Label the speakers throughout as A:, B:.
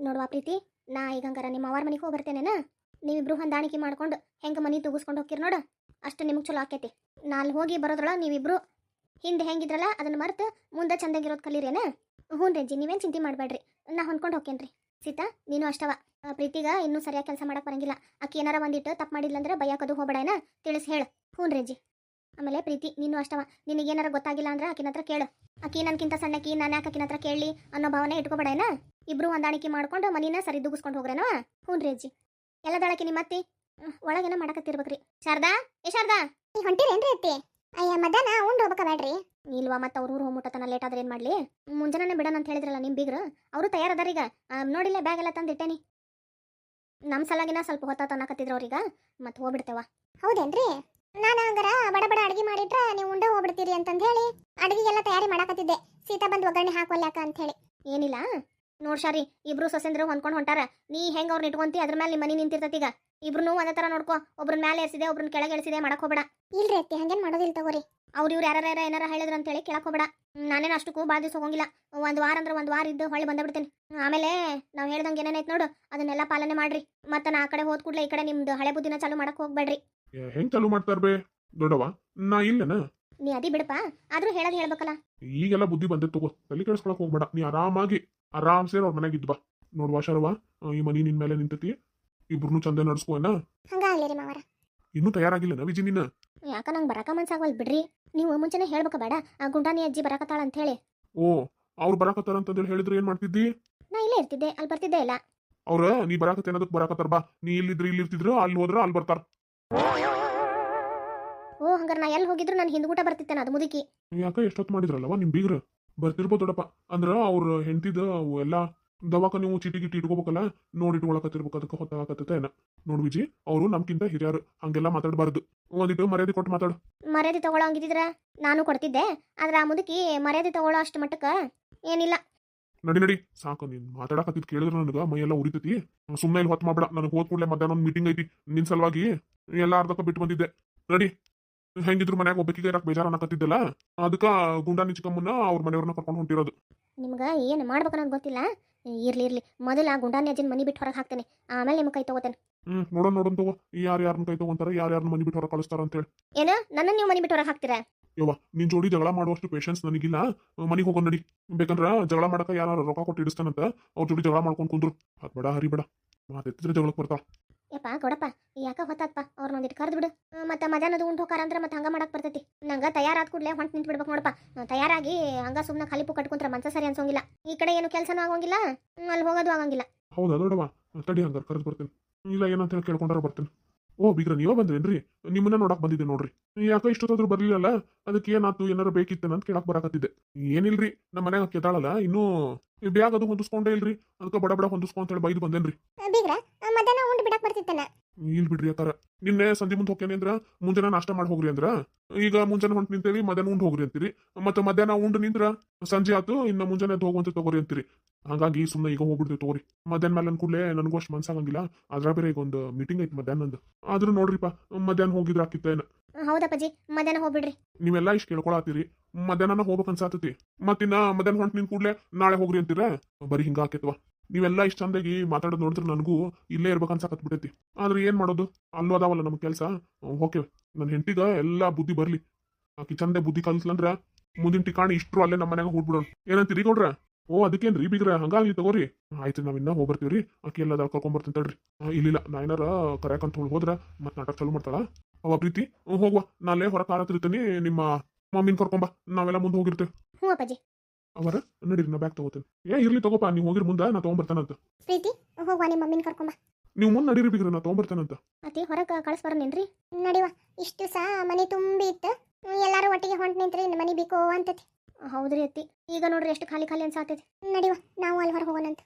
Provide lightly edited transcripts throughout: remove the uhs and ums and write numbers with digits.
A: ನೋಡುವ ಪ್ರೀತಿ, ನಾ ಈಗ ಹಂಗಾರ ನಿಮ್ಮ ಅವ್ರ ಮನೆಗೆ ಹೋಗಿ ಬರ್ತೇನೇನ. ನೀವಿಬ್ರು ಹೊಂದಾಣಿಕೆ ಮಾಡ್ಕೊಂಡು ಹೆಂಗೆ ಮನೆ ತೂಗಿಸ್ಕೊಂಡು ಹೋಗ್ತೀರಿ ನೋಡು, ಅಷ್ಟು ನಿಮಗೆ ಚಲೋ ಆಕೈತಿ. ನಾ ಅಲ್ಲಿ ಹೋಗಿ ಬರೋದ್ರೊಳ ನೀವಿಬ್ರು ಹಿಂದೆ ಹೆಂಗಿದ್ರಲ್ಲ ಅದನ್ನು ಮರೆತು ಮುಂದೆ ಚಂದಾಗಿರೋದು ಕಲೀರೇನ. ಹ್ಞೂ ರೇಂಜಿ, ನೀವೇನು ಚಿಂತೆ ಮಾಡಬೇಡ್ರಿ, ನಾ ಹೊಂದ್ಕೊಂಡು ಹೋಗ್ತೇನೆ. ಸೀತಾ ನೀನು ಅಷ್ಟವ, ಪ್ರೀತಿಗ ಇನ್ನೂ ಸರಿಯಾಗಿ ಕೆಲಸ ಮಾಡಕ್ಕೆ ಬರಂಗಿಲ್ಲ. ಆಕಿ ಏನಾರ ಒಂದಿಟ್ಟು ತಪ್ಪು ಮಾಡಿದ್ಲಂದ್ರೆ ಬೈಯಾಕದು ಹೋಗ್ಬೇಡೇನ, ತಿಳಿಸಿ ಹೇಳು. ಹ್ಞೂ ರೇಂಜಿ. ಆಮೇಲೆ ಪ್ರೀತಿ ನೀನು ಅಷ್ಟವ, ನಿನಗೇನಾರ ಗೊತ್ತಾಗಿಲ್ಲ ಅಂದ್ರೆ ಆಕಿನ ಹತ್ರ ಕೇಳು. ಆಕಿ ನನ್ಕಿಂತ ಸಣ್ಣಕಿ, ನಾನು ಯಾಕೆ ಆಕಿನ ಹತ್ರ ಕೇಳಿ ಅನ್ನೋ ಭಾವನೆ ಇಟ್ಕೋಬೇಡೇನ. ಇಬ್ರು ಹೊಂದಾಣಿಕೆ ಮಾಡ್ಕೊಂಡು ಮನಿನ ಸರಿ ದುಗಿಸ್ಕೊಂಡು ಹೋಗ್ರೇನವ. ಹ್ಞೂ ರೇಂಜಿ. ಎಲ್ಲ ದಳಕಿ ನಿಮ್ಮ ಅತ್ತಿ ಒಳಗೇನ ಮಾಡಕತ್ತಿರ್ಬೇಕ್ರಿ. ಶಾರದಾ, ಏ ಶಾರದಾ,
B: ಈ ಹೊಂಟಿರೇನ್ರಿ ಅತ್ತಿ? ಅಯ್ಯ ಮಧ್ಯಾಹ್ನ ಉಂಡು ಹೋಗ್ಬೇಕಬೇಡ್ರಿ.
A: ಇಲ್ವಾ ಮತ್ತೆ ಅವ್ರ ಊರು ಹೋಗ್ಬಿಟ್ಟತನ ಲೇಟ್ ಆದ್ರೆ ಏನು ಮಾಡಲಿ. ಮುಂಜಾನೆ ಬಿಡೋಣ ಅಂತ ಹೇಳಿದ್ರಲ್ಲ ನಿಮ್ಮ ಬೀಗ್ರು, ಅವರು ತಯಾರದಾರ ಈಗ. ನೋಡಿಲ್ಲ ಬ್ಯಾಗ್ ಎಲ್ಲ ತಂದಿಟ್ಟೇನಿ. ನಮ್ಮ ಸಲಾಗಿನ ಸ್ವಲ್ಪ ಹೊತ್ತ ಅನ್ನಕತ್ತಿದ್ರು ಅವ್ರೀಗ, ಮತ್ತೆ ಹೋಗ್ಬಿಡ್ತೇವ.
B: ಹೌದೇನ್ರಿ? ನಾನು ಹಂಗಾರ ಬಡ ಬಡ ಅಡಿಗೆ ಮಾಡಿಟ್ರೆ ನೀವು ಉಂಡೆ ಹೋಗ್ಬಿಡ್ತೀರಿ ಅಂತಂದು ಹೇಳಿ ಅಡಿಗೆಗೆಲ್ಲ ತಯಾರಿ ಮಾಡಕತ್ತಿದ್ದೆ. ಸೀತಾ ಬಂದು ಒಗ್ಗರಣೆ ಹಾಕೋಲ್ಯಾಕ ಅಂತ ಹೇಳಿ.
A: ಏನಿಲ್ಲ ನೋಡ್ ಶಾರಿ, ಇಬ್ರು ಸೊಸೆಂದ್ರು ಹೊಂದ್ಕೊಂಡು ಹೊಂಟಾರ. ನೀ ಹೆಂಗೆ ಅವ್ರನ್ನ ಇಟ್ಕೊಂತಿ ಅದ್ರ ಮೇಲೆ ನಿಮ್ಮ ಮನೆ ನಿಂತಿರ್ತೈತಿ. ಈಗ ಇಬ್ರು ಒಂದೇ ಥರ ನೋಡ್ಕೋ. ಒಬ್ರನ್ನ ಮೇಲೆ ಎಸಿದೆ, ಒಬ್ರನ್ನ ಕೆಳಗೆ ಎಳಿಸಿದೆ ಮಾಡಕ್ ಹೋಗ್ಬೇಡ.
B: ಇಲ್ರಿ ಅತ್ತಿ, ಹಂಗೇನು ಮಾಡೋದಿಲ್ಲ ತಗೋರಿ.
A: ಅವ್ರು ಇವ್ರು ಯಾರು ಏನಾರ ಹೇಳಿದ್ರು ಅಂತೇಳಿ ಕೇಳಕ್ ಹೋಗ್ಬೇಡ. ನಾನೇನು ಅಷ್ಟಕ್ಕೂ ಭಾಳ ದಿವಸ ಹೋಗಿಲ್ಲ. ಒಂದು ವಾರ ಅಂದ್ರೆ ಒಂದು ವಾರ ಇದ್ದು ಹೊಳ್ಳಿ ಬಂದ್ಬಿಡ್ತೇನೆ. ಆಮೇಲೆ ನಾವು ಹೇಳ್ದಂಗೆ ಏನೇನೈತೆ ನೋಡು ಅದನ್ನೆಲ್ಲ ಪಾಲನೆ ಮಾಡ್ರಿ. ಮತ್ತೆ ನಾ ಆ ಕಡೆ ಹೋದ್ ಕೂಡಲೇ ಈ ಕಡೆ ನಿಮ್ದು ಹಳೆ ಬುದ್ಧಿನ ಚಾಲು ಮಾಡಕ್ ಹೋಗ್ಬೇಡ್ರಿ.
C: ಹೆಂಗ್ ಚಾಲು ಮಾಡ್ತಾರ ಬೇ ದೊಡ್ಡವ? ನಾ ಇಲ್ಲನ
A: ನೀ ಅದಿ ಬಿಡಪ್ಪ, ಆದ್ರೂ ಹೇಳೋದು ಹೇಳ್ಬೇಕಲ್ಲ.
C: ಈಗೆಲ್ಲ ಬುದ್ಧಿ ಬಂದೆ ತಗೋ, ತಲೆ ಕೆಡಿಸ್ಕೊಳಕ್ ಹೋಗ್ಬೇಡ. ನೀ ಆರಾಮ್ಸೇ ಅವ್ರ ಮನೆಗೆ ಇದ್ಬಾ. ನೋಡ್ವಾ ಶರವ, ಈ ಮನಿ ನಿನ್ ಮೇಲೆ ನಿಂತತಿ. ಇಬ್ರು ಚಂದ ನಡ್ಸ್ಕೋನ.
B: ಹಂಗಾಗ್ಲಿ ರೀ ಮಾವರ.
C: ಇನ್ನೂ ತಯಾರಾಗಿಲ್ಲನ ವಿಜಿ ನೀನ?
A: ಯಾಕ ನಂಗೆ ಬರಾಕ ಮನ್ಸಾಗವಲ್ ಬಿಡ್ರಿ. ನೀವು ಮುಂಚೆನೆ ಹೇಳ್ಬೇಕ ಬೇಡ, ಆ ಗುಂಡಾನಿ ಅಜ್ಜಿ ಬರಾಕತ್ತಾಳ ಅಂತ ಹೇಳಿ.
C: ಓ, ಅವ್ರು ಬರಾಕತ್ತಾರ ಅಂತಂದೇಳಿ ಹೇಳಿದ್ರೆ ಏನ್ ಮಾಡ್ತಿದ್ದಿ?
A: ನಾ ಇಲ್ಲೇ ಇರ್ತಿದ್ದೆ, ಅಲ್ಲಿ ಬರ್ತಿದ್ದೆ ಇಲ್ಲ.
C: ಅವ್ರ ನೀ ಬರಾಕತ್ತೆ ಅನ್ನೋದಕ್ಕೆ ಬರಾಕತ್ತಾರ ಬಾ. ನೀ ಇಲ್ಲಿದ್ರೆ ಇಲ್ಲಿರ್ತಿದ್ರು, ಅಲ್ಲಿ ಹೋದ್ರ ಅಲ್ಲಿ ಬರ್ತಾರ.
A: ಓ ಹಂಗಾರ ನಾ ಎಲ್ಲಿ ಹೋಗಿದ್ರು ನಾನು ಹಿಂದ್ಗೂಟ ಬರ್ತಿತ್ತೇನ ಅದು ಮುದುಕಿ.
C: ಯಾಕ ಎಷ್ಟೊತ್ತು ಮಾಡಿದ್ರಲ್ಲವ ನಿಮ್ ಬೀಗ್ರ? ಬರ್ತಿರ್ಬೋದು ದೊಡ್ಡಪ್ಪ. ಅಂದ್ರ ಅವ್ರ ಹೆಂಡತಿದ ಎಲ್ಲ ದವಾಕ ನೀವು ಚೀಟಿ ಗಿಟಿ ಇಟ್ಕೋಬೇಕಲ್ಲ, ನೋಡಿ ಇಟ್ಕೊಳಕತ್ತಿರ್ಬೇಕು. ಅದಕ್ಕೆ ಹೊತ್ತಾಗತ್ತ ಏನ. ನೋಡ್ ವಿಜಿ, ಅವರು ನಮ್ಕಿಂತ ಹಿರಿಯರು, ಹಂಗೆಲ್ಲ ಮಾತಾಡಬಾರ್ದು. ಒಂದಿಟ್ಟು ಮರ್ಯಾದೆ ಕೊಟ್ಟು ಮಾತಾಡು.
A: ಮರ್ಯಾದೆ ತಗೊಳ್ಳೋ ಹಂಗಿದ್ರ ನಾನು ಕೊಡ್ತಿದ್ದೆ, ಆದ್ರೆ ಆ ಮುದುಕಿ ಮರ್ಯಾದೆ ತಗೊಳ್ಳೋ ಅಷ್ಟು ಮಟ್ಟಕ್ಕ ಏನಿಲ್ಲ.
C: ನಡಿ ನಡಿ ಸಾಕು, ನೀನ್ ಮಾತಾಡಕತ್ತಿದ್ ಕೇಳಿದ್ರೆ ನನಗ ಮೈಯೆಲ್ಲ ಉರಿತೈತಿ. ಸುಮ್ಮನೆ ಇಲ್ಲಿ ಹೊತ್ತು ಮಾಡ್ಬೇಡ. ನನಗೆ ಹೋದ್ ಕೂಡಲೇ ಮಧ್ಯಾಹ್ನ ಒಂದು ಮೀಟಿಂಗ್ ಐತಿ ನಿನ್ ಸಲುವಾಗಿ. ಎಲ್ಲ ಅರ್ಧಕ್ಕ ಬಿಟ್ಟು ಬಂದಿದ್ದೆ. ನಡಿ. ಹೆಂಗಿದ್ರು ಮನ್ಯಾಗ ಒಬ್ಬಕಿಗೆ ಇರಕ್ ಬೇಜಾರ ಅನ್ನಕತ್ತಿದ್ದಲ್ಲ, ಅದಕ್ಕ ಗುಂಡಾನಿ ಚಿಕ್ಕಮ್ಮನ್ನ ಅವ್ರ ಮನೆಯವ್ರನ್ನ ಕರ್ಕೊಂಡು ಹೊಂಟಿರೋದು.
A: ನಿಮ್ಗೆ ಏನು ಮಾಡ್ಬೇಕನ್ನೋದು ಗೊತ್ತಿಲ್ಲ. ಇರ್ಲಿ ಮೊದಲ ಗುಂಡಾನಿ ಅಜ್ಜಿನ ಮನಿ ಬಿಟ್ಟು ಹೊರಗೆ ಹಾಕ್ತೇನೆ, ಆಮೇಲೆ ನಿಮ್ಮ ಕೈ ತಗೋತೇನೆ.
C: ನೋಡೋಣ ತಗೋ, ಯಾರ್ಯಾರನ್ನ ಕೈ ತಗೊಂತಾರ, ಯಾರ್ಯಾರನ್ನ ಮನಿ ಬಿಟ್ಟು ಹೊರಗೆ ಕಳಿಸ್ತಾರ ಅಂತೇಳಿ.
A: ಏನು ನನ್ನ ನೀವು ಮನಿ ಬಿಟ್ಟು ಹೊರಗೆ ಹಾಕ್ತೀರಾ?
C: ಯವ್ವ, ನಿನ್ ಜೋಡಿ ಜಗಳ ಮಾಡುವಷ್ಟು ಪೇಷನ್ಸ್ ನನಗಿಲ್ಲ. ಮನಿಗೆ ಹೋಗೋಣ ನಡಿ. ಬೇಕಂದ್ರ ಜಗಳ ಮಾಡಕ ಯಾರು ರೊಕ್ಕ ಕೊಟ್ಟು ಇಡಿಸ್ತಾನಂತ ಅವ್ರ ಜೋಡಿ ಜಗಳ ಮಾಡ್ಕೊಂಡು ಕುಂದ್ರು. ಹರಿಬೇಡ ಮಾತೆತ್ತಿದ್ರೆ ಜಗಳಕ್ಕೆ ಬರ್ತಾವ.
A: ಯಪ್ಪ ಕೊಡಪ್ಪ, ಯಾಕ ಹೊತ್ತಾತ್ಪ, ಅವ್ರನ್ನ ಒಂದಿಟ್ಟು ಕರೆದು ಬಿಡು. ಮತ್ತೆ ಮಧ್ಯಾಹ್ನದ ಉಂಟು ಹೋಕಾರ ಅಂದ್ರೆ ಮತ್ತೆ ಹಂಗ ಮಾಡಕ್ ಬರ್ತೈತಿ. ನಂಗೆ ತಯಾರಾದ ಕೂಡಲೇ ಹೊಂಟು ನಿಂತು ಬಿಡ್ಬೇಕು ನೋಡಪ್ಪ. ತಯಾರಾಗಿ ಹಂಗ ಸುಮ್ಮನೆ ಖಾಲಿ ಪು ಕಟ್ಕೊಂಡ್ರೆ ಮನ್ಸ ಸರಿ ಅನ್ಸೋಂಗಿಲ್ಲ. ಈ ಕಡೆ ಏನು ಕೆಲಸನೂ ಆಗೋಂಗಿಲ್ಲ, ಅಲ್ಲಿ ಹೋಗೋದು ಆಗಂಗಿಲ್ಲ.
C: ಹೌದಾ ದೊಡ್ಡವ? ತಡಿ, ಹಂಗಾರೆ ಕರೆದು ಬರ್ತೇನೆ. ಇಲ್ಲ ಏನಂತ ಹೇಳಿ ಕೇಳ್ಕೊಂಡಾರ ಬರ್ತೇನೆ. ಓ ಬೀಗ್ರ, ನೀವ ಬಂದ್ರೇನ್ರಿ? ನಿಮ್ಮನ್ನ ನೋಡಕ್ ಬಂದಿದ್ದೆ ನೋಡ್ರಿ. ಯಾಕ ಇಷ್ಟೊತ್ತಾದ್ರೂ ಬರ್ಲಿಲ್ಲಲ್ಲ? ಅದಕ್ಕೆ ಏನಾತು, ಏನಾರ ಬೇಕಿತ್ತೇನ ಅಂತ ಕೇಳಕ್ ಬರಾಕತ್ತಿದ್ದೆ. ಏನಿಲ್ರಿ, ನಮ್ಮ ಮನ್ಯಾಗ ಕೆತಾಳಲ್ಲ, ಇನ್ನೂ ಬ್ಯಾಗ್ ಅದು ಹೊಂದಿಸ್ಕೊಂಡೇ ಇಲ್ರಿ. ಅದಕ್ಕೆ ಬಡ ಬಡ ಹೊಂದಿಸ್ಕೊಂತ ಹೇಳಿ ಬೈದು ಬಂದೇನ್ರಿ.
B: ಬೀಗ್ರ ಮಧ್ಯಾಹ್ನ ಉಂಡು ಬಿಡಕ್ ಬರ್ತಿತ್ತೇನ?
C: ಇಲ್ ಬಿಡ್ರಿ ಅತ್ತಾರ. ನಿನ್ನೆ ಸಂಜೆ ಮುಂದೆ ಹೋಗ್ತೇನೆ ಅಂದ್ರ ಮುಂಜಾನೆ ನಾಷ್ಟ ಮಾಡಿ ಹೋಗ್ರಿ ಅಂದ್ರ, ಈಗ ಮುಂಜಾನೆ ಹೊಂಟ್ ನಿಂತೇವಿ, ಮಧ್ಯಾಹ್ನ ಉಂಡು ಹೋಗ್ರಿ ಅಂತೀರಿ. ಮತ್ತೆ ಮಧ್ಯಾಹ್ನ ಉಂಡು ನಿಂತ್ರ ಸಂಜೆ ಆತು, ಇನ್ನ ಮುಂಜಾನೆ ಹೋಗುವಂತ ತಗೋರಿ ಅಂತೀರಿ. ಹಾಗಾಗಿ ಸುಮ್ಮನೆ ಈಗ ಹೋಗ್ಬಿಡ್ತೀವಿ ತಗೋರಿ. ಮಧ್ಯಾಹ್ನ ಮೇಲೆ ಕೂಡಲೇ ನನಗೂ ಅಷ್ಟು ಮನ್ಸಾಗಂಗಿಲ್ಲ. ಅದ್ರ ಬೇರೆ ಈಗ ಒಂದು ಮೀಟಿಂಗ್ ಐತಿ ಮಧ್ಯಾಹ್ನಂದು. ಆದ್ರೂ ನೋಡ್ರಿಪ್ಪ, ಮಧ್ಯಾಹ್ನ ಹೋಗಿದ್ರ ಆಕಿತ್ತೇನ?
A: ಹೌದಪ್ಪಾಜಿ, ಮಧ್ಯಾಹ್ನ ಹೋಗ್ಬಿಡ್ರಿ.
C: ನೀವೆಲ್ಲ ಇಷ್ಟು ಕೇಳ್ಕೊಳತ್ತೀರಿ, ಮಧ್ಯಾಹ್ನ ಹೋಗ್ಬೇಕು ಅನ್ಸಾತತಿ. ಮತ್ತಿನ್ನ ಮಧ್ಯಾಹ್ನ ಹೊಂಟ್ ನಿನ್ ಕೂಡಲೇ ನಾಳೆ ಹೋಗ್ರಿ ಅಂತೀರ. ಬರೀ ಹಿಂಗ ಆಕೇತ್ವ. ನೀವೆಲ್ಲ ಇಷ್ಟ ಚಂದಾಗಿ ಮಾತಾಡೋದು ನೋಡಿದ್ರೆ ನನಗೂ ಇಲ್ಲೇ ಇರ್ಬೇಕು ಅನ್ಸಾಕತ್ಬಿಟ್ಟೈತಿ. ಆದ್ರೆ ಏನ್ ಮಾಡೋದು, ಅಲ್ಲೂ ಅದಾವಲ್ಲ ನಮ್ ಕೆಲ್ಸ. ಓಕೆ, ನನ್ನ ಹೆಂಡತಿಗ ಎಲ್ಲಾ ಬುದ್ಧಿ ಬರ್ಲಿ. ಆಕಿ ಚಂದ ಬುದ್ಧಿ ಕಲ್ಸ್ಲಂದ್ರ ಮುಂದಿನ ಟಿಕಾಣಿ ಇಷ್ಟ್ರು ಅಲ್ಲೇ ನಮ್ಮ ಮನ್ಯಾಗ ಹೋಗ್ಬಿಡೋಣ. ಏನಂತೀರಿ ಕೊಡ್ರ? ಓ ಅದಕ್ಕೇನ್ರಿ ಬೀಗ್ರ, ಹಂಗಾಗ್ಲಿ ತಗೋರಿ. ಆಯ್ತು, ನಾವಿನ್ನ ಹೋಗ್ಬರ್ತೀವ್ರಿ. ಆಕಿ ಎಲ್ಲ ಕರ್ಕೊಂಡ್ಬರ್ತೀನಿ ತಡ್ರಿ. ಇಲ್ಲ, ನಾ ಏನಾರ ಕರ್ಯಾಕಂತ ಹೋದ್ರ ಮತ್ ನಾಟಕ ಚಾಲು ಮಾಡ್ತಾಳ ಅವ ಪ್ರೀತಿ. ಹೋಗ್ವಾ, ನಾಳೆ ಹೊರ ಕಾರತಿರ್ತೀನಿ. ನಿಮ್ಮ ಮಮ್ಮಿನ ಕರ್ಕೊಂಬ, ನಾವೆಲ್ಲ ಮುಂದೆ ಹೋಗಿರ್ತೇವೆ.
A: ಹ್ಞೂ ಅಪ್ಪಾಜಿ.
C: ಅವರ ನಡೀರಿ, ನಾ ಬ್ಯಾಗ್ ತಗೋತೇನೆ. ಇರ್ಲಿ ತಗೋಪ, ನೀವು ಹೋಗಿರ್ ಮುಂದೆ ನಾ ತಗೊಂಬರ್ತಾನಂತ.
B: ಪ್ರೀತಿ ಹೋಗ್ವಾ, ನಿಮ್ಮ ಮಮ್ಮಿನ ಕರ್ಕೊಂಬ.
C: ನೀವು ಮುಂದೆ ನಡೀರಿ ಬೀಗ್ರ, ನಾ ತಗೊಂಬರ್ತಾನಂತ.
A: ಅತಿ ಹೊರಗೆ ಕಳಿಸ್ಬರನೇನ್ರಿ?
B: ನಡಿವ, ಇಷ್ಟು ಸಹ ಮನೆ ತುಂಬಿ ಇತ್ತು. ಎಲ್ಲಾರು ಒಟ್ಟಿಗೆ ಹೊಂಟ್ ನಿಂತ್ರಿ ಇನ್ನು ಮನೆ ಬೇಕು ಅಂತತಿ.
A: ಹೌದ್ರಿ ಅತ್ತಿ, ಈಗ ನೋಡ್ರಿ ಎಷ್ಟು ಖಾಲಿ ಖಾಲಿ ಅನ್ಸಾತೈತಿ.
B: ನಡಿವ, ನಾವು ಅಲ್ಲಿ ಹೊರ ಹೋಗೋಣಂತ.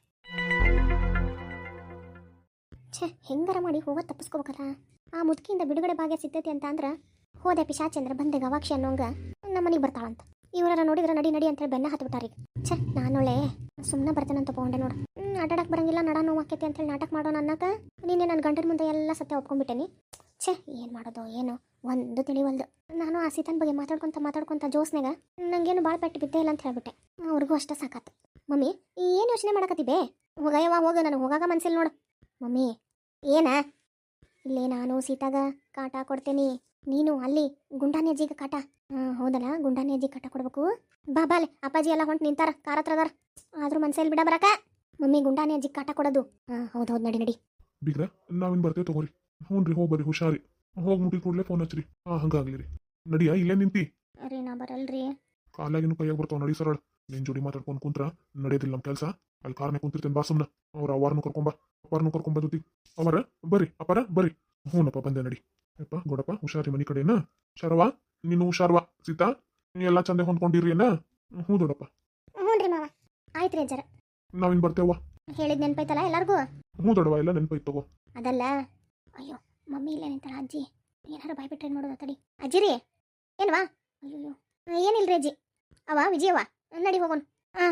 A: ಛೇ, ಹೆಂಗಾರ ಮಾಡಿ ಹೋಗೋದು ತಪ್ಪಿಸ್ಕೋಬೇಕಲ್ಲ. ಆ ಮುದುಕಿಯಿಂದ ಬಿಡುಗಡೆ ಭಾಗ್ಯ ಸಿಗ್ತೈತಿ ಅಂತ ಅಂದ್ರೆ ಹೋದೆ ಪಿಶಾಚಂದ್ರ ಬಂದೆ ಗವಾಕ್ಷಿ ಅನ್ನೋಂಗ ನಮ್ಮ ಮನೆಗೆ ಬರ್ತಾಳಂತ. ಇವರ ನೋಡಿದ್ರೆ ನಡಿ ನಡಿ ಅಂತೇಳಿ ಬೆನ್ನ ಹತ್ಬಿಟ್ಟಾರೀಗ. ಛೇ, ನಾನೊಳ್ಳೆ ಸುಮ್ಮನೆ ಬರ್ತೇನೆ ಅಂತ ತಗೊಂಡೆ ನೋಡು. ಆಟಾಡಕ್ಕೆ ಬರಂಗಿಲ್ಲ, ನಡ ನೋವಾಕೈತಿ ಅಂತೇಳಿ ನಾಟಕ ಮಾಡೋಣ ಅನ್ನಕ ನೀನೆ ನನ್ನ ಗಂಟನ ಮುಂದೆ ಎಲ್ಲ ಸತ್ಯ ಒಪ್ಕೊಂಡ್ಬಿಟ್ಟೇನಿ. ಛೇ, ಏನು ಮಾಡೋದು ಏನೋ ಒಂದು ತಿಳಿವಲ್ದು. ನಾನು ಆ ಸೀತನ ಬಗ್ಗೆ ಮಾತಾಡ್ಕೊಂತ ಜೋಸ್ನಾಗ ನಂಗೇನು ಭಾಳ ಪೆಟ್ಟು ಬಿದ್ದೇ ಇಲ್ಲ ಅಂತ ಹೇಳ್ಬಿಟ್ಟೆ. ಅವ್ರಿಗೂ ಅಷ್ಟೇ ಸಾಕಾತು. ಮಮ್ಮಿ ಏನು ಯೋಚನೆ ಮಾಡಕತ್ತಿ ಬೇ ಹೋಗಯ್ಯವ ಹೋಗ ನನಗೆ ಹೋಗಾಗ ಮನ್ಸಿಲ್ಲ ನೋಡು ಮಮ್ಮಿ ಏನ ಇಲ್ಲೇ ನಾನು ಸೀತಾಗ ಕಾಟ ಕೊಡ್ತೇನಿ ನೀನು ಅಲ್ಲಿ ಗುಂಡಾನಿ ಅಜ್ಜಿಗೆ ಕಾಟ ಹೌದಲ್ಲ ಗುಂಡಾನಿ ಅಜ್ಜಿ ಕಾಟ ಕೊಡ್ಬೇಕು ಬಾ ಬಾಲೆ ಅಪ್ಪಾಜಿ ಎಲ್ಲ ಹೊಂಟು ನಿಂತಾರ ಕಾರ ಹತ್ರ ಅದಾರ ಆದ್ರೂ ಮನ್ಸಲ್ಲಿ ಬಿಡ ಬರಕ ಮಮ್ಮಿ ಗುಂಡಾನಿ ಅಜ್ಜಿ ಕಾಟ ಕೊಡೋದು ಹೌದು ಹೌದು ನಡಿ ನಡಿ
C: ಬೀಗ್ರ ನಾವಿನ್ ಬರ್ತೇವೆ ತಗೋರಿ ಹ್ಞೂ ರೀ ಹೋಗಿ ಬರ್ರಿ ಹುಷಾರಿ ಹೋಗಿ ಮುಟ್ಟಿದ ಕೂಡಲೇ ಫೋನ್ ಹಚ್ಚ್ರಿ ಹಂಗಾಗ್ಲಿ ರೀ ನಡಿಯಾ ಇಲ್ಲೇ ನಿಂತಿ
A: ರೀ ನಾ ಬರಲ್ರಿ
C: ಕಾಲಾಗಿನೂ ಕೈಯಾಗ ಬರ್ತಾವ ನಡಿ ಸರಳ ನಿನ್ ಜೋಡಿ ಮಾತಾಡ್ಕೊಂಡು ಕುಂತ್ರ ನಡೆಯೋದಿಲ್ಲ ನಮ್ಮ ಕೆಲಸ ಅಲ್ಲಿ ಕಾರ್ನೇ ಕುಂತಿರ್ತೇನೆ ಬಾ ಸುಮ್ನ ಅವ್ರ ಅವಾರನು ಕರ್ಕೊಂಬ ಅಪ್ಪಾರನು ಕರ್ಕೊಂಬ ಜೊತೆ ಅವರ ಬರ್ರಿ ಅಪ್ಪಾರ ಬರ್ರಿ ಹ್ಞೂನಪ್ಪ ಬಂದೆ ನಡಿ ಯಪ್ಪ ಗೋಡಪ್ಪ ಹುಷಾರಿ ಮನಿ ಕಡೆನ ಶರವಾ ನೀನು ಹುಷಾರ್ವಾ ಸೀತಾ ನೀ ಎಲ್ಲ ಚಂದ ಹೊಂದ್ಕೊಂಡಿರಿ ಏನ ಹ್ಞೂ ದೊಡ್ಡಪ್ಪ
B: ಹ್ಞೂ ರೀ ಮಾವ.
A: ಆಯ್ತು ರೀ ಅಜ್ಜರ
C: ನಾವಿನ್ ಬರ್ತೇವ
A: ಹೇಳಿದ್ ನೆನ್ಪೈತಲ್ಲ ಎಲ್ಲಾರ್ಗೂ
C: ಹ್ಞೂ ದೊಡ್ಡವ ಎಲ್ಲ ನೆನಪೈತ್ ತಗೋ
A: ಅದಲ್ಲ ಅಯ್ಯೋ ಮಮ್ಮಿ ಇಲ್ಲೇ ನಿಂತಾಳ ಅಜ್ಜಿ ಏನಾರು ಬಾಯ್ಬಿಟ್ರೆ ನೋಡೋದು ತಡಿ ಅಜ್ಜಿ ರೀ ಏನ್ವಾ ಅಯ್ಯೋ ಏನಿಲ್ರಿ ಅಜ್ಜಿ ಅವ ವಿಜಯವ ನಡಿ ಹೋಗೋಣ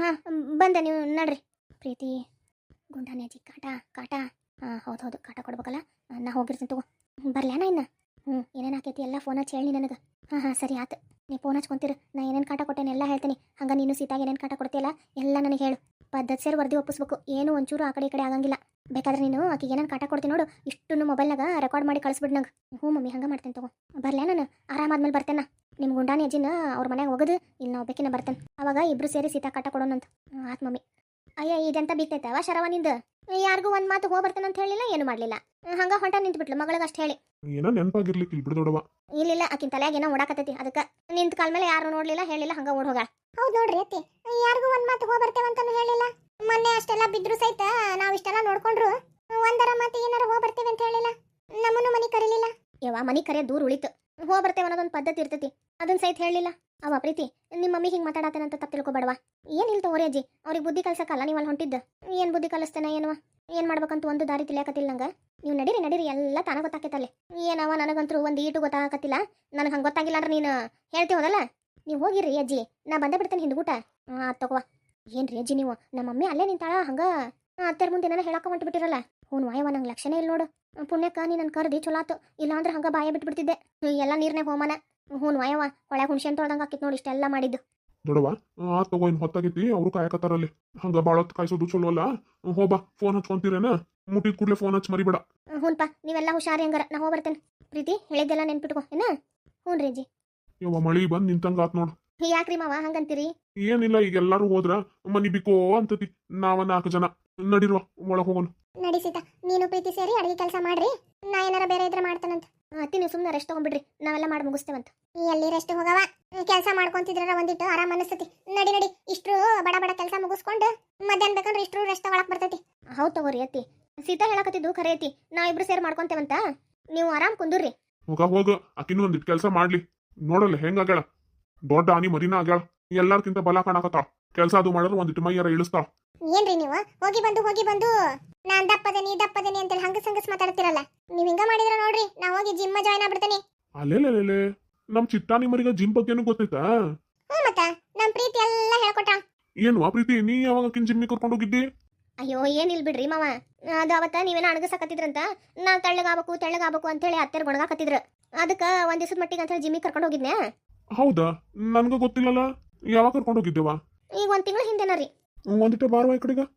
A: ಬಂದೆ ನೀವು ನಡ್ರಿ ಪ್ರೀತಿ ಗುಂಡಾನೆ ಅಜ್ಜಿ ಕಾಟ ಕಾಟ ಹೌದು ಹೌದು ಕಾಟ ಕೊಡ್ಬೇಕಲ್ಲ ನಾ ಹೋಗಿರ್ತೀನಿ ತಗೋ ಬರ್ಲ್ಯಾನ ಇನ್ನ ಏನೇನು ಆಕೈತಿ ಎಲ್ಲ ಫೋನ್ ಹಚ್ಚಿ ಹೇಳಿ ನನಗೆ ಸರಿ ಆತು ನೀ ಫೋನ್ ಹಚ್ಕೊಂತೀರ ನಾ ಏನೇನು ಕಾಟ ಕೊಟ್ಟೇನೆ ಎಲ್ಲ ಹೇಳ್ತೀನಿ ಹಂಗ ನೀನು ಸೀತಾಗ ಏನೇನು ಕಾಟ ಕೊಡ್ತೀಯಲ್ಲ ಎಲ್ಲ ನನಗೆ ಹೇಳು ಪದ್ಧತಿ ಸೇರಿ ವರದಿ ಒಪ್ಪಿಸ್ಬೇಕು ಏನು ಒಂಚೂರು ಆ ಕಡೆ ಈ ಕಡೆ ಆಗಂಗಿಲ್ಲ ಬೇಕಾದ್ರೆ ನೀನು ಆಕಿಗೆ ಏನೇನು ಕಾಟ ಕೊಡ್ತೀನಿ ನೋಡು ಇಷ್ಟು ಮೊಬೈಲ್ನಾಗ ರೆಕಾರ್ಡ್ ಮಾಡಿ ಕಳಿಸ್ಬಿಡ್ ನಂಗೆ ಹ್ಞೂ ಮಮ್ಮಿ ಹಂಗೆ ಮಾಡ್ತೇನೆ ತಗೋ ಬರ್ಲ್ಯಾ ನಾನು ಆರಾಮಾದ್ಮೇಲೆ ಬರ್ತೇನೆ ನಿಮ್ಮ ಗುಂಡಾನಿ ಅಜ್ಜಿನ ಅವ್ರ ಮನೆಗೆ ಹೋಗೋದು ಇಲ್ಲಿ ನಾವು ಬೇಕಿನ ಬರ್ತೇನೆ ಅವಾಗ ಇಬ್ರು ಸೇರಿ ಸೀತಾ ಕಾಟ ಕೊಡೋಣಂತ ಆತ್ ಮಮ್ಮಿ ಅಯ್ಯ ಇದೆಂತ ಬಿತ್ತೈತವ ಶರವ ನಿಂದು ಯಾರಿಗೂ ಒಂದು ಮಾತು ಹೋಗಿ ಬರ್ತೇನೆ ಅಂತ ಹೇಳಿಲ್ಲ ಏನು ಮಾಡಲಿಲ್ಲ ಹಂಗ ಹೊಂಟ ನಿಂತ್ಬಿಟ್ಲು ಮಗಳಿಗೆ ಅಷ್ಟು ಹೇಳಿ
C: ಏನೋ ನೆನಪಾಗಿರ್ಲಿಕ್ಕೆ ಇಲ್ಲಿ ಬಿಡು ದೊಡ್ಡವ
A: ಇಲ್ಲ ಆಕಿನ ತಲೆಯಾಗ ಏನೋ ಓಡಾಕತ್ತೈತಿ ಅದಕ್ಕೆ ನಿಂತ ಕಾಲ ಮೇಲೆ ಯಾರು ನೋಡ್ಲಿಲ್ಲ ಹೇಳಿಲ್ಲ ಹಂಗ ಓಡ್ ಹೋಗ
B: ಹೌದು ನೋಡ್ರಿ ಅತ್ತಿ ಯಾರಿಗೂ ಒಂದ್ ಮಾತು ಹೋಗಿ ಬರ್ತೇವೆ ಅಂತಾನು ಹೇಳಿಲ್ಲ ಮೊನ್ನೆ ಅಷ್ಟೆಲ್ಲ ಬಿದ್ರು ಸಹಿತ ನಾವ್ ಇಷ್ಟೆಲ್ಲ ನೋಡ್ಕೊಂಡ್ರು ಒಂದರ ಮಾತು ಏನಾರ ಹೋಗಿ ಬರ್ತೇವೆ ಅಂತ ಹೇಳಿಲ್ಲ ನಮ್ಮನ್ನು ಮನೆ ಕರೀಲಿಲ್ಲ
A: ಯವ್ವ ಮನಿ ಕರೆ ದೂರ ಉಳಿತು ಹೋಗಿ ಬರ್ತೇವೆ ಅನ್ನೋದೊಂದು ಪದ್ಧತಿ ಇರ್ತೈತಿ ಅದನ್ನ ಸಹಿತ ಹೇಳಿಲ್ಲ ಅವ ಪ್ರೀತಿ ನಿಮ್ಮ ಮಮ್ಮಿ ಹಿಂಗೆ ಮಾತಾಡತ್ತೇನಂತ ತಪ್ಪು ತಿಳ್ಕೊಬೇಡವಾ ಏನಿಲ್ಲ ತಗೋರಿ ಅಜ್ಜಿ ಅವ್ರಿಗೆ ಬುದ್ಧಿ ಕಲ್ಸಕ್ಕಲ್ಲ ನೀವು ಅಲ್ಲಿ ಹೊಂಟಿದ್ದು ಏನು ಬುದ್ಧಿ ಕಲಿಸ್ತೇನೆ ಏನವ ಏನು ಮಾಡ್ಬೇಕಂತ ಒಂದು ದಾರಿ ತಿಳಿಯಾಕತ್ತಿಲ್ಲ ನಂಗೆ ನೀವು ನಡೀರಿ ಎಲ್ಲ ತಾನ ಗೊತ್ತಾಕೈತಲ್ಲಿ ಏನವ ನನಗಂತೂ ಒಂದು ಈಟು ಗೊತ್ತಾಗತ್ತಿಲ್ಲ ನನಗೆ ಹಂಗೆ ಗೊತ್ತಾಗಿಲ್ಲ ಅಂದ್ರೆ ನೀನು ಹೇಳ್ತೀವದಲ್ಲ ನೀವು ಹೋಗಿರಿ ಅಜ್ಜಿ ನಾ ಬಂದೇ ಬಿಡ್ತೇನೆ ಹಿಂದ್ಗೂಟ ತಗೋ ಏನ್ರಿ ಅಜ್ಜಿ ನೀವು ನಮ್ಮ ಮಮ್ಮಿ ಅಲ್ಲೇ ನಿಂತಾಳ ಹಂಗೆ ಅತ್ತೆರ ಮುಂದೆ ಏನಾರ ಹೇಳಕ್ಕ ಹೊಂಟು ಬಿಟ್ಟಿರಲ್ಲ ಹ್ಞೂ ವಾಯವ ನಂಗೆ ಲಕ್ಷಣ ಇಲ್ಲ ನೋಡು ಪುಣ್ಯಕ್ಕ ನೀ ನನ್ನ ಕರ್ದಿ ಚಲೋ ಆತು ಇಲ್ಲಾಂದ್ರೆ ಹಂಗೆ ಬಾಯ ಬಿಟ್ಬಿಡ್ತಿದ್ದೆ ಎಲ್ಲ ನೀರ್ನೇ ಹೋಮನ ಹ್ಞೂ ವಾಯವ ಹೊಳೆ ಹುಣ್ಸೆ ತೊಳ್ದಂಗೆ ಆಕಿತ್ ನೋಡಿ ಇಷ್ಟೆಲ್ಲ ಮಾಡಿದ್ದು
C: ದೊಡ್ಡವ ತಗೋ ಇನ್ನು ಹೊತ್ತಾಗೈತಿ ಅವರು ಕಾಯಕತ್ತಾರಲ್ಲಿ ಹಂಗ ಭಾಳ ಹೊತ್ತು ಕಾಯಿಸೋದು ಚಲೋ ಅಲ್ಲ ಹೋಬಾ ಫೋನ್ ಹಚ್ಕೊಂತೀರೇನ ಮುಟ್ಟಿದ ಕೂಡಲೇ ಫೋನ್ ಹಚ್ಚಿ ಮರಿಬೇಡ
A: ಹ್ಞೂನ್ಪ ನೀವೆಲ್ಲ ಹುಷಾರಿ ಹಂಗಾರ ನಾ ಹೋಗಿ ಬರ್ತೇನೆ ಪ್ರೀತಿ ಹೇಳಿದ್ದೆಲ್ಲ ನೆನ್ಪಿಟ್ಕೋ ಏನ ಹ್ಞೂ ರೀ ಅಜ್ಜಿ
C: ಯವ್ವ ಮಳಿ ಬಂದು ನಿಂತಂಗ ಆತ್ ನೋಡು
A: ಯಾಕ್ರಿ ಮಾವ ಹಂಗಂತೀರಿ
C: ಏನಿಲ್ಲ ಈಗ ಎಲ್ಲಾರು ಹೋದ್ರ ಮನಿ ಬಿಕೋ ಅಂತತಿ ನಾವ 4 ಜನ ನಡಿರುವ ಒಳಗ್ ಹೋಗೋಣ
B: ನಡಿ ಸೀತಾ ನೀನು ಪ್ರೀತಿ ಸೇರಿ ಅಡಿಗೆ ಕೆಲಸ ಮಾಡ್ರಿ ನಾ ಏನಾರ ಬೇರೆ ಇದ್ರೆ ಮಾಡ್ತಾನಂತ
A: ಅತ್ತಿ ನೀವು ಸುಮ್ಮನೆ ರೆಸ್ಟ್ ತಗೊಂಡ್ಬಿಡ್ರಿ ನಾವೆಲ್ಲ ಮಾಡಿ ಮುಗಿಸ್ತೇವಂತ
B: ಎಲ್ಲಿ ರೆಸ್ಟ್ ಹೋಗವ ಕೆಲಸ ಮಾಡ್ಕೊಂತಿದ್ರ ಒಂದಿಟ್ಟು ಆರಾಮ್ ಅನಿಸ್ತತಿ ನಡಿ ಇಷ್ಟ್ರು ಬಡ ಬಡ ಕೆಲಸ ಮುಗಿಸ್ಕೊಂಡು ಮಧ್ಯಾಹ್ನ ಬೇಕಂದ್ರೆ ಇಷ್ಟ್ರು ರೆಸ್ಟ್ ತಗೊಳಕ್ ಬರ್ತೈತಿ
A: ಹೌದು ತಗೋರಿ ಅತ್ತಿ ಸೀತಾ ಹೇಳಕತ್ತಿದ್ದು ಖರೆ ಐತಿ ನಾವಿಬ್ರು ಸೇರಿ ಮಾಡ್ಕೊಂತೇವಂತ ನೀವು ಆರಾಮ್ ಕುಂದುರ್ರಿ
C: ಹೋಗ ಆಕಿನೂ ಒಂದಿಟ್ಟು ಕೆಲಸ ಮಾಡ್ಲಿ ನೋಡಲ್ಲ ಹೆಂಗಾಗ್ಯಾಳ ದೊಡ್ಡ ಆನಿ ಮರಿನ ಆಗ್ಯಾಳ ಎಲ್ಲಾರ್ಕಿಂತ ಬಲ ಕಾಣಕತ್ತಾಳ ಕೆಲಸ ಅದು ಮಾಡಿದ್ರೆ ಒಂದಿಟ್ಟು ಮೈಯಾರ ಇಳಿಸ್ತಾಳ
B: ಏನ್ರಿ ನೀವು ಹೋಗಿ ಬಂದು ನಾನ್ ದಪ್ಪದೇನಿ ಅಂತೇಳಿ ಹಂಗಸ್ ಮಾತಾಡ್ತಿರಲ್ಲ ನೀವ್ ಹಿಂಗ ಮಾಡಿದ್ರ ನೋಡ್ರಿ ನಾ ಹೋಗಿ ಜಿಮ್ ಜಾಯ್ನ್ ಆಗ್ಬಿಡ್ತೇನೆ
C: ಅಲ್ಲೇ ನಮ್ ಚಿಟ್ಟಾನಿ ಮರಿಗ ಜಿಮ್ ಬಗ್ಗೆನೂ ಗೊತ್ತೈತಾ
B: ಹ್ಞೂ ಮತ್ತ ನಮ್ ಪ್ರೀತಿ ಎಲ್ಲ ಹೇಳ್ಕೊಟ್ಟ
C: ಏನು ಆ ಪ್ರೀತಿ ನೀ ಯಾವಾಗ ಆಕಿನ್ ಜಿಮ್ಮಿಗೆ ಕರ್ಕೊಂಡು ಹೋಗಿದ್ದಿ
A: ಅಯ್ಯೋ ಏನಿಲ್ ಬಿಡ್ರಿ ಮಾವ ಅದು ಅವತ್ತ ನೀವೇನ ಅಣಗಸಕತ್ತಿದ್ರಂತ ನಾ ತೆಳ್ಳಗಾಗಬೇಕು ಅಂತೇಳಿ ಅತ್ತೆರ್ ಗೊಣಗಾಕತ್ತಿದ್ರು ಅದಕ್ಕೆ ಒಂದ್ ದಿವಸದ ಮಟ್ಟಿಗೆ ಅಂತೇಳಿ ಜಿಮ್ಮಿಗೆ ಕರ್ಕೊಂಡು ಹೋಗಿದ್ನೆ
C: ಹೌದಾ ನನ್ಗ ಗೊತ್ತಿಲ್ಲಲ್ಲ ಯಾವಾಗ ಕರ್ಕೊಂಡು ಹೋಗಿದ್ದೇವಾ
A: ಈಗ 1 ತಿಂಗಳ ಹಿಂದೆನ ರೀ
C: ಒಂದಿಟ್ಟೆ ಬಾರವಾ ಈ ಕಡೆಗ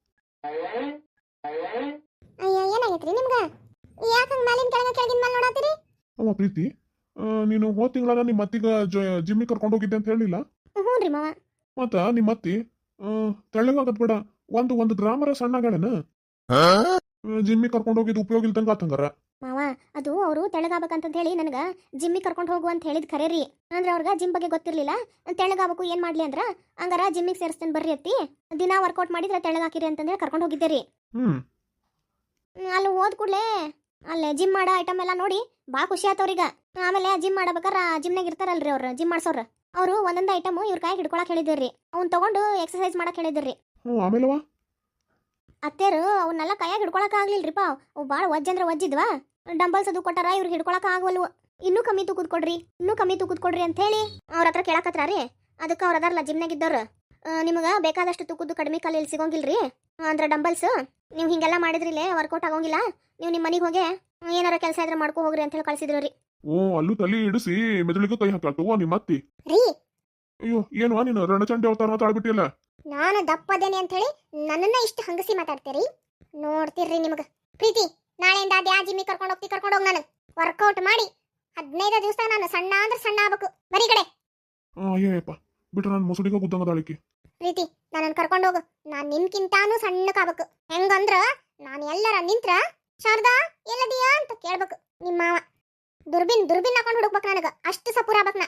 B: ಅಯ್ಯ ಏನಾಗೈತ್ರಿ ನಿಮ್ಗ ಯಾಕಂಗ್ ಮೇಲಿನ ಕೆಳಗಿನ ಮೇಲೆ ನೋಡತ್ತೀರಿ
C: ಅವ ಪ್ರೀತಿ ನೀನು ಹೋದ ತಿಂಗಳ ನಿಮ್ಮ ಅತ್ತಿಗ ಜಿಮ್ಮಿಗೆ ಕರ್ಕೊಂಡು ಹೋಗಿದ್ದೆ ಅಂತ ಹೇಳಿಲ್ಲ
A: ಹ್ಞೂ ರೀ ಮಾವ
C: ಮತ್ತ ನಿಮ್ಮ ಅತ್ತಿ ತೆಳ್ಳಗಾಗದ್ ಬೇಡ ಒಂದು ಗ್ರಾಮರ ಸಣ್ಣಗಳೇನ ಜಿಮ್ಮಿಗೆ ಕರ್ಕೊಂಡು ಹೋಗಿದ್ದು ಉಪಯೋಗ ಇಲ್ದಂಗ ಆತಂಗಾರ
A: ಮಾವ ಅದು ಅವರು ತೆಳ್ಳಗಾಗಬೇಕಂತ ಹೇಳಿ ನನಗೆ ಜಿಮ್ಮಿಗೆ ಕರ್ಕೊಂಡು ಹೋಗು ಅಂತ ಹೇಳಿದ್ ಖರೆ ರೀ ಅಂದ್ರೆ ಅವ್ರಿಗೆ ಜಿಮ್ ಬಗ್ಗೆ ಗೊತ್ತಿರ್ಲಿಲ್ಲ ತೆಳ್ಳಗಾಗಬೇಕು ಏನು ಮಾಡ್ಲಿ ಅಂದ್ರ ಹಂಗಾರ ಜಿಮ್ಮಿಗೆ ಸೇರಿಸ್ತೇನೆ ಬರ್ರಿ ಅತ್ತಿ ದಿನ ವರ್ಕೌಟ್ ಮಾಡಿದ್ರೆ ತೆಳ್ಳಗಾಕಿರಿ ಅಂತಂದೇಳಿ ಕರ್ಕೊಂಡು ಹೋಗಿದ್ದೆ ರೀ ಅಲ್ಲಿ ಹೋದ್ ಕೂಡಲೇ ಅಲ್ಲೇ ಜಿಮ್ ಮಾಡೋ ಐಟಮ್ ಎಲ್ಲ ನೋಡಿ ಭಾಳ ಖುಷಿ ಆತವ್ರೀಗ ಆಮೇಲೆ ಜಿಮ್ ಮಾಡಬೇಕಾರೆ ಜಿಮ್ನಾಗ ಇರ್ತಾರಲ್ರಿ ಅವ್ರು ಜಿಮ್ ಮಾಡ್ಸೋರು ಅವರು ಒಂದೊಂದು ಐಟಮ್ ಇವ್ರ ಕೈ ಹಿಡ್ಕೊಳಕ್ ಹೇಳಿದ್ರಿ ಅವ್ನ ತಗೊಂಡು ಎಕ್ಸರ್ಸೈಸ್ ಮಾಡಕ್ ಹೇಳಿದ್ರಿ
C: ಆಮೇಲವಾ
A: ಅತ್ತೇರು ಅವನ್ನೆಲ್ಲ ಕೈಯಾಗ ಹಿಡ್ಕೊಳಕ್ ಆಗ್ಲಿಲ್ರಿಪ್ಪ ಅವು ಭಾಳ ವಜ್ಜಂದ್ರೆ ವಜ್ಜಿದ್ವಾ ಡಂಬಲ್ಸ್ ಅದು ಕೊಟ್ಟಾರ ಇವ್ರಿಗೆ ಹಿಡ್ಕೊಳಕ್ ಆಗವಲ್ವು ಇನ್ನೂ ಕಮ್ಮಿ ತೂಕದ್ ಕೊಡ್ರಿ ಅಂತ ಹೇಳಿ ಅವ್ರ ಹತ್ರ ಕೇಳಕತ್ರ ರೀ ಅದಕ್ಕೆ ಅವ್ರ ಅದಾರಲ್ಲ ಜಿಮ್ನಾಗ ಇದ್ದವ್ರು ನಿಮಗೆ ಬೇಕಾದಷ್ಟು ತೂಕದ್ದು ಕಡಿಮೆ ಕಾಲ ಇಲ್ಲಿ ಸಿಗೋಂಗಿಲ್ರಿ ಅಂದ್ರೆ ಡಂಬಲ್ಸ್ ನೀವು ಹಿಂಗೆಲ್ಲ ಮಾಡಿದ್ರಿಲೇ ವರ್ಕೌಟ್ ಆಗೋಂಗಿಲ್ಲ ನೀವು ನಿಮ್ಮ ಮನೆಗೆ ಹೋಗಿ ಏನಾರ ಕೆಲಸ ಇದ್ರೆ ಮಾಡ್ಕೊ ಹೋಗ್ರಿ ಅಂತ ಹೇಳಿ ಕಳ್ಸಿದ್ರು ರೀ
C: ಅಲ್ಲೂ ತಲೆ ಇಡಿಸಿ ಮೆದುಳಿಗೆ ಕೈ ಹಾಕಲ್ತು ನಿಮ್ಮ ಅತ್ತಿ
B: ರೀ
C: ಅಯ್ಯೋ ಏನು ನೀನು ರಣಚಂಡಿ ಅವತಾರ ಮಾತಾಡ್ಬಿಟ್ಟಿಲ್ಲ
B: ನಾನು ದಪ್ಪದೇನೆ ಅಂತ ಹೇಳಿ ನನ್ನನ್ನ ಇಷ್ಟು ಹಂಗಸಿ ಮಾತಾಡ್ತೀರಿ ನೋಡ್ತಿರ್ರಿ ನಿಮಗ ಪ್ರೀತಿ ನಾಳೆಯಿಂದ ಅದ್ಯಾ ಜಿಮ್ಮಿ ಕರ್ಕೊಂಡು ಹೋಗ್ ನಾನು ವರ್ಕೌಟ್ ಮಾಡಿ 15 ದಿವಸ ನಾನು ಸಣ್ಣ ಅಂದ್ರೆ ಸಣ್ಣ ಆಗ್ಬೇಕು ಬರೀ ಕಡೆ
C: ಅಯ್ಯಪ್ಪ ಬಿಟ್ರೆ ನಾನು ಮುಸುಡಿಗ ಗುದ್ದಂಗದಾಳಿಕಿ.
B: ಪ್ರೀತಿ ನನ್ನನ್ನು ಕರ್ಕೊಂಡು ಹೋಗು ನಾನ್ ನಿನ್ಕಿಂತಾನು ಸಣ್ಣಕ್ಕಾಗಬೇಕು ಹೆಂಗಂದ್ರ ನಾನು ಎಲ್ಲರ ನಿಂತ್ರ ಶಾರದಾ ಎಲ್ಲದಿಯಾ ಅಂತ ಕೇಳ್ಬೇಕು ನಿಮ್ಮ ಮಾವ ದುರ್ಬಿನ್ ಹಾಕೊಂಡು ಹುಡುಕ್ಬೇಕು ನನಗ ಅಷ್ಟು ಸಪೂರ ಆಗ್ಬೇಕು ನಾ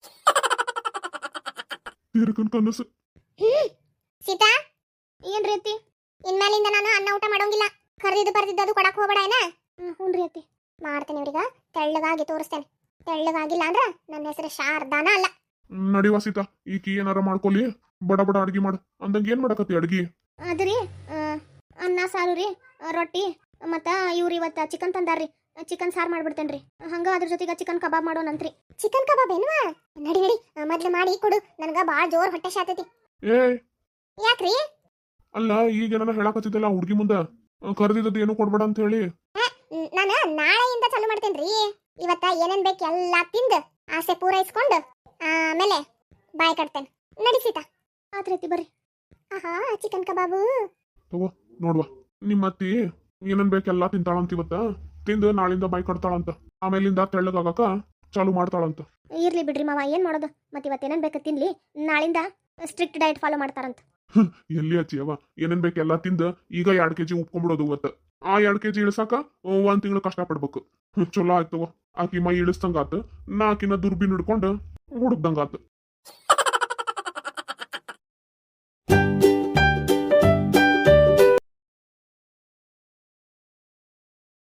C: ತೀರ್ಕನ್ ಕನಸು.
B: ಸೀತಾ
A: ಏನ್ರಿ ಅತ್ತಿ?
B: ಇನ್ಮೇಲಿಂದ ನಾನು ಅನ್ನ ಊಟ ಮಾಡೋಂಗಿಲ್ಲ ಕರೆದಿದ್ದು ಬರ್ದಿದ್ದು ಕೊಡಕ್ ಹೋಗ್ಬೇಡ ಏನ
A: ಹ್ಞೂನ್ರಿ ಅತ್ತಿ.
B: ಮಾಡ್ತೇನೆ ಇವ್ರಿಗ ತೆಳ್ಳಗಾಗಿ ತೋರಿಸ್ತೇನೆ ತೆಳ್ಳಗಾಗಿಲ್ಲ ಅಂದ್ರ ನನ್ನ ಹೆಸರು ಶಾರದಾನ ಅಲ್ಲ
C: ನಡಿವಾ ಸೀತಾ ಈಕಿ ಏನಾರ ಮಾಡ್ಕೊಲಿ ಬಡ ಬಡ ಅಡ್ಗಿ ಮಾಡು ಅಂದಂಗ ಏನ್ ಮಾಡಕತ್ತಿ ಅಡ್ಗಿ?
A: ಅದ್ರಿ ಅನ್ನ ಸಾರು ರೀ, ರೊಟ್ಟಿ ಮತ್ತು ಇವ್ರು ಇವತ್ತು ಚಿಕನ್ ತಂದಾರ್ರಿ, ಚಿಕನ್ ಸಾರು ಮಾಡ್ಬಿಡ್ತೇನ್ರಿ. ಹಂಗ ಅದ್ರ ಜೊತೆಗೆ ಚಿಕನ್ ಕಬಾಬ್ ಮಾಡೋಣಂತ್ರಿ.
B: ಚಿಕನ್ ಕಬಾಬ್ ಏನ್ವಾ ನಡಿ ಮೊದ್ಲು ಮಾಡಿ ಕೊಡು ನನಗ ಬಾಳ ಜೋರ್ ಹೊಟ್ಟೆ ಶಾತೈತಿ.
C: ಏ
B: ಯಾಕ್ರಿ?
C: ಅಲ್ಲ ಈಗೇನಾರ ಹೇಳಕತ್ತಿದ್ದಲ್ಲ ಹುಡ್ಗಿ ಮುಂದ ಕರೆದಿದ್ದು ಏನು ಕೊಡ್ಬೇಡ ಅಂತ ಹೇಳಿ.
B: ನಾನು ನಾಳೆಯಿಂದ ಚಾಲು ಮಾಡ್ತೇನ್ರಿ. ಇವತ್ತ ಏನೇನ್ ಬೇಕು ಎಲ್ಲಾ ತಿಂದು ಆಸೆ ಪೂರೈಸ್ಕೊಂಡು ಆಮೇಲೆ ಬಾಯ್ ಕಟ್ತೇನೆ. ನಡಿಸಿತಾ
A: ಆತ್ರಿ ಅತ್ತಿ ಬರ್ರಿ.
B: ಆಹಾ ಚಿಕನ್ ಕಬಾಬು
C: ತಗೋ ನೋಡ್ವಾ ನಿಮ್ಮ ಅತ್ತಿ ಏನೇನ್ ಬೇಕೆಲ್ಲಾ ತಿಂತಾಳಂತ ಇವತ್ತ ತಿಂದು ನಾಳಿಂದ ಬಾಯ್ ಕಟ್ತಾಳಂತ ಆಮೇಲಿಂದ ತೆಳ್ಳಗಾಗಕ ಚಾಲು ಮಾಡ್ತಾಳಂತ.
A: ಇರ್ಲಿ ಬಿಡ್ರಿ ಮಾವ, ಏನ್ ಮಾಡೋದು ಮತ್ತೆ ಇವತ್ತು ಏನೇನ್ ಬೇಕು ತಿನ್ಲಿ, ನಾಳಿಂದ ಸ್ಟ್ರಿಕ್ಟ್ ಡಯಟ್ ಫಾಲೋ ಮಾಡ್ತಾರಂತ.
C: ಎಲ್ಲಿ ಹಚ್ಚಿಯವ ಏನೇನ್ ಬೇಕೆಲ್ಲಾ ತಿಂದು ಈಗ 2 kg ಉಪ್ಕೊಂಡ್ಬಿಡೋದು ಇವತ್ತ. ಆ 2 kg ಇಳಿಸಾಕ 1 ತಿಂಗಳು ಕಷ್ಟ ಪಡ್ಬೇಕು. ಚಲೋ ಆಯ್ತವ ಆಕಿ ಮೈ ಇಳಿಸ್ದಂಗಾತು, ನಾ ಆಕಿನ ದುರ್ಬಿನ್ ಹಿಡ್ಕೊಂಡು ಹುಡುಕ್ದಂಗಾತು.